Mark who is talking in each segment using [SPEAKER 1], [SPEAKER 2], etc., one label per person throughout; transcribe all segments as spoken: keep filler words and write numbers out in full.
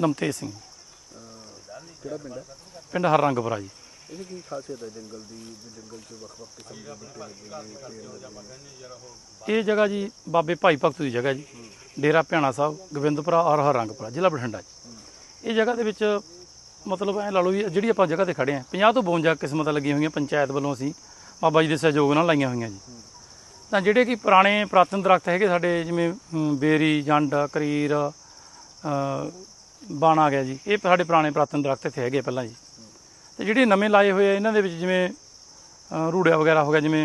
[SPEAKER 1] ਨਮਤੇਜ ਸਿੰਘ
[SPEAKER 2] ਕਿਹੜਾ ਪਿੰਡ ਹੈ?
[SPEAKER 1] ਪਿੰਡ ਹਰਰੰਗਪੁਰਾ ਜੀ।
[SPEAKER 2] ਇਹ ਕੀ ਖਾਸੀਅਤ ਹੈ ਜੰਗਲ ਦੀ? ਜੰਗਲ 'ਚ ਵੱਖ-ਵੱਖ ਕਿਸਮ ਦੇ ਬੂਟੇ ਲੱਗੇ ਨੇ, ਪੇੜ ਲੱਗੇ ਨੇ।
[SPEAKER 1] ਇਹ ਜਗ੍ਹਾ ਜੀ ਬਾਬੇ ਭਾਈ ਭਗਤ ਦੀ ਜਗ੍ਹਾ ਜੀ, ਡੇਰਾ ਭਿਆਣਾ ਸਾਹਿਬ, ਗੋਬਿੰਦਪੁਰਾ ਔਰ ਹਰਰੰਗਪੁਰਾ, ਜ਼ਿਲ੍ਹਾ ਬਠਿੰਡਾ ਜੀ। ਇਹ ਜਗ੍ਹਾ ਦੇ ਵਿੱਚ ਮਤਲਬ ਐਂ ਲਾ ਲਓ ਵੀ ਜਿਹੜੀ ਆਪਾਂ ਜਗ੍ਹਾ 'ਤੇ ਖੜ੍ਹੇ ਹਾਂ, ਪੰਜਾਹ ਤੋਂ ਬਵੰਜਾ ਕਿਸਮਤਾਂ ਲੱਗੀਆਂ ਹੋਈਆਂ ਪੰਚਾਇਤ ਵੱਲੋਂ, ਅਸੀਂ ਬਾਬਾ ਜੀ ਦੇ ਸਹਿਯੋਗ ਨਾਲ ਲਾਈਆਂ ਹੋਈਆਂ ਜੀ। ਤਾਂ ਜਿਹੜੇ ਕਿ ਪੁਰਾਣੇ ਪੁਰਾਤਨ ਦਰਖਤ ਹੈਗੇ ਸਾਡੇ, ਜਿਵੇਂ ਬੇਰੀ, ਜੰਡ, ਕਰੀਰ, ਬਣ ਆ ਗਿਆ ਜੀ, ਇਹ ਸਾਡੇ ਪੁਰਾਣੇ ਪੁਰਾਤਨ ਦਰਖਤ ਇੱਥੇ ਹੈਗੇ ਪਹਿਲਾਂ ਜੀ। ਅਤੇ ਜਿਹੜੇ ਨਵੇਂ ਲਾਏ ਹੋਏ ਆ ਇਹਨਾਂ ਦੇ ਵਿੱਚ ਜਿਵੇਂ ਰੂੜਿਆ ਵਗੈਰਾ ਹੋ ਗਿਆ, ਜਿਵੇਂ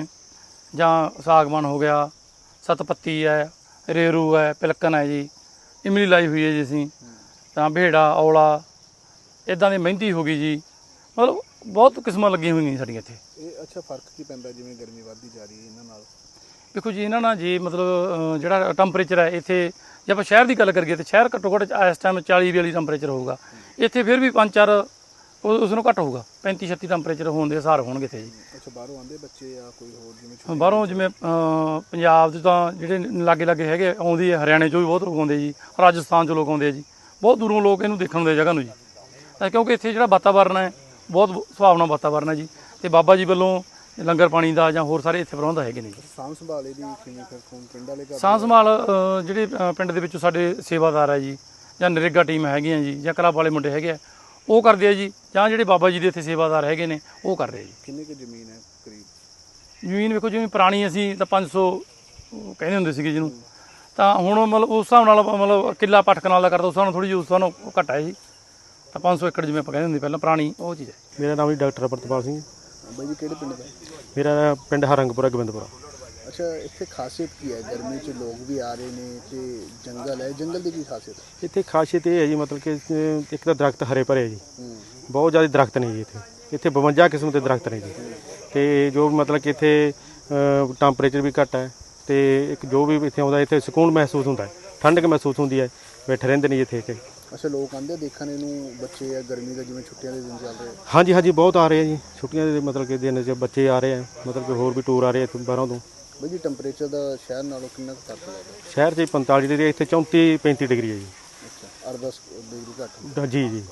[SPEAKER 1] ਜਾਂ ਸਾਗਵਾਨ ਹੋ ਗਿਆ, ਸਤਪੱਤੀ ਹੈ, ਰੇਰੂ ਹੈ, ਪਿਲਕਣ ਹੈ ਜੀ, ਇਮਲੀ ਲਾਈ ਹੋਈ ਹੈ ਜੀ ਅਸੀਂ, ਤਾਂ ਭੇੜਾ, ਔਲਾ, ਇੱਦਾਂ ਦੀ ਮਹਿੰਦੀ ਹੋ ਗਈ ਜੀ। ਮਤਲਬ ਬਹੁਤ ਕਿਸਮਾਂ ਲੱਗੀਆਂ ਹੋਈਆਂ ਸਾਡੀਆਂ ਇੱਥੇ।
[SPEAKER 2] ਇਹ ਅੱਛਾ ਫਰਕ ਕੀ ਪੈਂਦਾ ਜਿਵੇਂ ਗਰਮੀ ਵੱਧਦੀ ਜਾ ਰਹੀ ਹੈ ਇਹਨਾਂ ਨਾਲ?
[SPEAKER 1] ਦੇਖੋ ਜੀ, ਇਹਨਾਂ ਨਾਲ ਜੀ ਮਤਲਬ ਜਿਹੜਾ ਟੈਂਪਰੇਚਰ ਹੈ ਇੱਥੇ, ਜੇ ਆਪਾਂ ਸ਼ਹਿਰ ਦੀ ਗੱਲ ਕਰੀਏ ਤਾਂ ਸ਼ਹਿਰ ਘੱਟੋ ਘੱਟ ਇਸ ਟਾਈਮ ਚਾਲੀ ਬਿਆਲੀ ਟੈਂਪਰੇਚਰ ਹੋਊਗਾ। ਇੱਥੇ ਫਿਰ ਵੀ ਪੰਜ ਚਾਰ ਉਸ ਨੂੰ ਘੱਟ ਹੋਊਗਾ, ਪੈਂਤੀ ਛੱਤੀ ਟੈਂਪਰੇਚਰ ਹੋਣ ਦੇ ਹਿਸਾਬ ਹੋਣਗੇ ਇੱਥੇ ਜੀ।
[SPEAKER 2] ਅੱਛਾ, ਬਾਹਰੋਂ ਆਉਂਦੇ ਬੱਚੇ ਜਾਂ ਕੋਈ ਹੋਰ ਜਿਵੇਂ?
[SPEAKER 1] ਬਾਹਰੋਂ ਜਿਵੇਂ ਪੰਜਾਬ 'ਚ ਤਾਂ ਜਿਹੜੇ ਲਾਗੇ ਲਾਗੇ ਹੈਗੇ ਆਉਂਦੀ ਹੈ, ਹਰਿਆਣੇ 'ਚੋਂ ਵੀ ਬਹੁਤ ਲੋਕ ਆਉਂਦੇ ਜੀ, ਰਾਜਸਥਾਨ 'ਚੋਂ ਲੋਕ ਆਉਂਦੇ ਆ ਜੀ, ਬਹੁਤ ਦੂਰੋਂ ਲੋਕ ਇਹਨੂੰ ਦੇਖਣ ਆਉਂਦੇ ਜਗ੍ਹਾ ਨੂੰ ਜੀ। ਕਿਉਂਕਿ ਇੱਥੇ ਜਿਹੜਾ ਵਾਤਾਵਰਨ ਹੈ ਬਹੁਤ ਸੁਹਾਵਣਾ ਵਾਤਾਵਰਨ ਹੈ ਜੀ, ਅਤੇ ਬਾਬਾ ਜੀ ਵੱਲੋਂ ਲੰਗਰ ਪਾਣੀ ਦਾ ਜਾਂ ਹੋਰ ਸਾਰੇ ਇੱਥੇ ਪ੍ਰਬੰਧ ਹੈਗੇ ਨੇ ਜੀ।
[SPEAKER 2] ਸਾਂਭ ਸੰਭਾਲ ਇਹਦੀ ਕਿਵੇਂ ਫਿਰ ਪਿੰਡ ਵਾਲੇ?
[SPEAKER 1] ਸਾਂਭ ਸੰਭਾਲ ਜਿਹੜੇ ਪਿੰਡ ਦੇ ਵਿੱਚੋਂ ਸਾਡੇ ਸੇਵਾਦਾਰ ਹੈ ਜੀ, ਜਾਂ ਨਰੇਗਾ ਟੀਮ ਹੈਗੀਆਂ ਜੀ, ਜਾਂ ਕਲੱਬ ਵਾਲੇ ਮੁੰਡੇ ਹੈਗੇ ਆ, ਉਹ ਕਰਦੇ ਆ ਜੀ, ਜਾਂ ਜਿਹੜੇ ਬਾਬਾ ਜੀ ਦੇ ਇੱਥੇ ਸੇਵਾਦਾਰ ਹੈਗੇ ਨੇ ਉਹ ਕਰਦੇ ਆ ਜੀ।
[SPEAKER 2] ਕਿੰਨੀ ਕੁ ਜ਼ਮੀਨ ਹੈ ਕਰੀਬ?
[SPEAKER 1] ਜ਼ਮੀਨ ਵੇਖੋ, ਜਿਵੇਂ ਪੁਰਾਣੀ ਅਸੀਂ ਤਾਂ ਪੰਜ ਸੌ ਕਹਿੰਦੇ ਹੁੰਦੇ ਸੀਗੇ ਜਿਹਨੂੰ, ਤਾਂ ਹੁਣ ਮਤਲਬ ਉਸ ਹਿਸਾਬ ਨਾਲ ਮਤਲਬ ਕਿੱਲਾ ਪੱਠ ਕਨਾਲ ਦਾ ਕਰਦਾ, ਉਸ ਹਿਸਾਬ ਨਾਲ ਥੋੜ੍ਹੀ ਜਿਹੀ ਉਸ ਹਿਸਾਬ ਨਾਲ ਘੱਟ ਹੈ ਜੀ। ਤਾਂ ਪੰਜ ਸੌ ਏਕੜ ਜਿਵੇਂ ਆਪਾਂ ਕਹਿੰਦੇ ਹੁੰਦੇ ਪਹਿਲਾਂ, ਪੁਰਾਣੀ ਉਹ ਚੀਜ਼ ਹੈ।
[SPEAKER 3] ਮੇਰਾ ਨਾਮ ਜੀ ਡਾਕਟਰ ਅਮਰਤਪਾਲ ਸਿੰਘ।
[SPEAKER 2] ਬਾਈ ਜੀ ਕਿਹੜੇ ਪਿੰਡ ਦਾ?
[SPEAKER 3] ਮੇਰਾ ਪਿੰਡ ਹਰਰੰਗਪੁਰਾ, ਗੋਬਿੰਦਪੁਰਾ।
[SPEAKER 2] ਅੱਛਾ, ਇੱਥੇ ਖਾਸੀਅਤ ਕੀ ਹੈ? ਗਰਮੀ 'ਚ ਲੋਕ ਵੀ ਆ ਰਹੇ ਨੇ ਤੇ ਜੰਗਲ ਹੈ, ਜੰਗਲ ਦੀ ਕੀ ਖਾਸੀਅਤ ਹੈ?
[SPEAKER 3] ਇੱਥੇ ਖਾਸੀਅਤ ਇਹ ਹੈ ਜੀ, ਮਤਲਬ ਕਿ ਇੱਕ ਤਾਂ ਦਰਖਤ ਹਰੇ ਭਰੇ ਹੈ ਜੀ, ਬਹੁਤ ਜ਼ਿਆਦਾ ਦਰਖਤ ਨੇ ਜੀ ਇੱਥੇ। ਇੱਥੇ ਬਵੰਜਾ ਕਿਸਮ ਦੇ ਦਰਖਤ ਨੇ ਜੀ, ਅਤੇ ਜੋ ਮਤਲਬ ਕਿ ਇੱਥੇ ਟੈਂਪਰੇਚਰ ਵੀ ਘੱਟ ਹੈ, ਅਤੇ ਇੱਕ ਜੋ ਵੀ ਇੱਥੇ ਆਉਂਦਾ ਇੱਥੇ ਸਕੂਨ ਮਹਿਸੂਸ ਹੁੰਦਾ ਹੈ, ਠੰਡਕ ਮਹਿਸੂਸ ਹੁੰਦੀ ਹੈ, ਬੈਠੇ ਰਹਿੰਦੇ ਨੇ ਜੀ ਇੱਥੇ। ਇੱਥੇ
[SPEAKER 2] ਅੱਛਾ, ਲੋਕ ਆਉਂਦੇ ਦੇਖਣ ਇਹਨੂੰ, ਬੱਚੇ ਆ, ਗਰਮੀ ਦਾ ਜਿਵੇਂ ਛੁੱਟੀਆਂ ਦੇ ਦਿਨ ਚੱਲ ਰਹੇ?
[SPEAKER 3] ਹਾਂਜੀ ਹਾਂਜੀ, ਬਹੁਤ ਆ ਰਹੇ ਆ ਜੀ, ਛੁੱਟੀਆਂ ਦੇ ਮਤਲਬ ਕਿ ਦਿਨ 'ਚ ਬੱਚੇ ਆ ਰਹੇ ਆ, ਮਤਲਬ ਕਿ ਹੋਰ ਵੀ ਟੂਰ ਆ ਰਹੇ ਇੱਥੋਂ ਬਾਹਰੋਂ ਤੋਂ।
[SPEAKER 2] ਬਾਈ ਜੀ ਟੈਂਪਰੇਚਰ ਦਾ ਸ਼ਹਿਰ ਨਾਲੋਂ ਕਿੰਨਾ ਕੁ ਫਰਕ ਲੱਗਦਾ?
[SPEAKER 3] ਸ਼ਹਿਰ 'ਚ ਪੰਤਾਲੀ ਡਿਗਰੀ, ਇੱਥੇ ਚੌਂਤੀ ਪੈਂਤੀ ਡਿਗਰੀ ਹੈ ਜੀ।
[SPEAKER 2] ਅੱਛਾ, ਅੱਠ ਦਸ ਡਿਗਰੀ ਘੱਟ?
[SPEAKER 3] ਜੀ ਜੀ।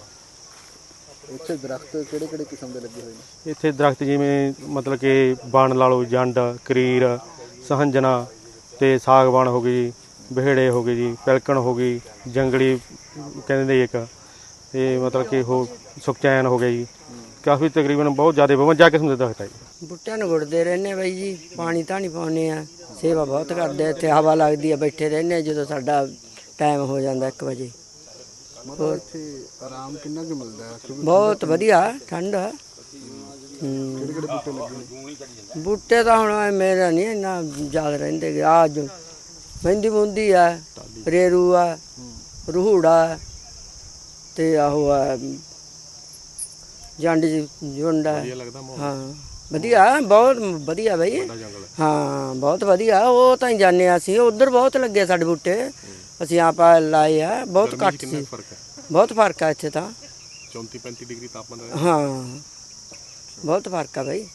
[SPEAKER 2] ਇੱਥੇ ਦਰਖਤ ਕਿਹੜੇ ਕਿਹੜੇ ਕਿਸਮ ਦੇ ਲੱਗੇ ਹੋਏ ਨੇ?
[SPEAKER 3] ਇੱਥੇ ਦਰਖਤ ਜਿਵੇਂ ਮਤਲਬ ਕਿ ਬਣ ਲਾ ਲਓ, ਜੰਡ, ਕਰੀਰ, ਸਹੰਜਣਾ, ਅਤੇ ਸਾਗਵਾਨ ਹੋ ਗਈ, ਬਹੇੜੇ ਹੋ ਗਏ ਜੀ, ਪਿਲਕਣ ਹੋ ਗਈ, ਜੰਗਲੀ ਕਹਿੰਦੇ ਨੇ ਇੱਕ, ਅਤੇ ਮਤਲਬ ਕਿ ਉਹ ਸੁਖਚੈਨ ਹੋ ਗਿਆ ਜੀ। ਕਾਫੀ ਤਕਰੀਬਨ ਬਹੁਤ ਜ਼ਿਆਦਾ ਬਵੰਜਾ ਕਿਸਮ ਦੇ ਦਰਖਤ ਹੈ ਜੀ।
[SPEAKER 4] ਬੂਟਿਆਂ ਨੂੰ ਗੁੱਡਦੇ ਰਹਿੰਦੇ ਬਾਈ ਜੀ, ਪਾਣੀ ਧਾਣੀ ਪਾਉਂਦੇ ਆ, ਸੇਵਾ ਬਹੁਤ ਕਰਦੇ। ਇੱਥੇ ਹਵਾ ਲੱਗਦੀ ਆ, ਬੈਠੇ ਰਹਿੰਦੇ ਜਦੋਂ ਸਾਡਾ ਟਾਈਮ ਹੋ ਜਾਂਦਾ ਇੱਕ ਵਜੇ।
[SPEAKER 2] ਮਤਲਬ ਇੱਥੇ ਆਰਾਮ ਕਿੰਨਾ ਕੁ ਮਿਲਦਾ ਹੈ?
[SPEAKER 4] ਬਹੁਤ ਵਧੀਆ ਠੰਡ।
[SPEAKER 2] ਕਿਹੜੇ ਕਿਹੜੇ ਬੂਟੇ ਲੱਗੇ ਨੇ?
[SPEAKER 4] ਬੂਟੇ ਤਾਂ ਹੁਣ ਮੇਰਾ ਨਹੀਂ ਇੰਨਾ ਯਾਦ ਰਹਿੰਦੇ। ਆ ਜੋ ਮਹਿੰਦੀ ਮੁੰਦੀ ਆ, ਰੇਰੂ ਆ, ਰੂਹੜਾ, ਅਤੇ ਆਹੋ ਆ ਜੰਡ ਜੁੰਡ ਆ। ਹਾਂ ਵਧੀਆ, ਬਹੁਤ ਵਧੀਆ ਬਾਈ। ਹਾਂ ਬਹੁਤ ਵਧੀਆ, ਉਹ ਤਾਂ ਹੀ ਜਾਂਦੇ ਹਾਂ ਅਸੀਂ। ਉੱਧਰ ਬਹੁਤ ਲੱਗੇ ਸਾਡੇ ਬੂਟੇ, ਅਸੀਂ ਆਪ ਲਾਏ ਆ। ਬਹੁਤ ਘੱਟ ਸੀ, ਬਹੁਤ ਫਰਕ ਆ ਇੱਥੇ ਤਾਂ।
[SPEAKER 3] ਚੌਂਤੀ ਪੈਂਤੀ ਡਿਗਰੀ ਤਾਪਮਾਨ।
[SPEAKER 4] ਹਾਂ ਬਹੁਤ ਫਰਕ ਆ ਬਾਈ।